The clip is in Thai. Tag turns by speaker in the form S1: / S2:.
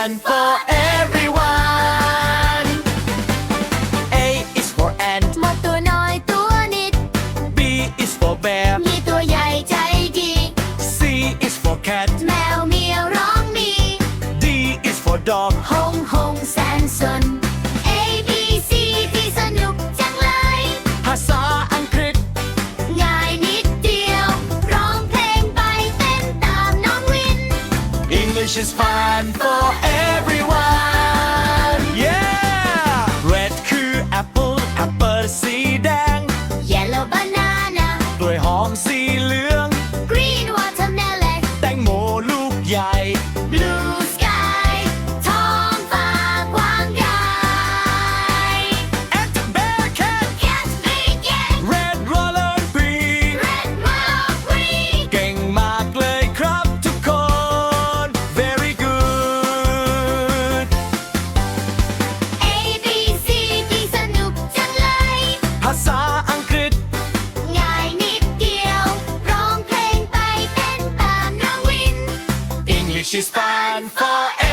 S1: fun for everyone. A is for ant.
S2: มดตัวน้อยตัวนิด
S1: B is for bear.
S2: มีตัวใหญ่ใจดี
S1: C is for cat.
S2: แมวเมียวร้องมี
S1: D is for dog.
S2: หงหงแสนสน A B C ที่สนุกจังเลย
S1: ภาษาอังกฤษ
S2: ง่ายนิดเดียว ร้องเพลงไปเต้นตามน้องวิน
S1: English is fun for everyone. Yeah. Red คือ apple apple สีแดง
S2: Yellow banana
S1: กล้วยหอมสีเหลือง
S2: Green watermelon
S1: แตงโมลูกใหญ่
S2: Blue sky ท้องฟ้ากว้างใหญ่
S1: And bear cat
S2: Cat big cat
S1: red roller green
S2: Red marble green
S1: เก่งมากเลยครับทุกคน Very good
S2: A B C ที่สนุกจังเลย
S1: ภาษาอังกฤษ
S2: ง่ายนิดเดียว ร้องเพลงไปเต้นตามน้องวิน
S1: English is fun for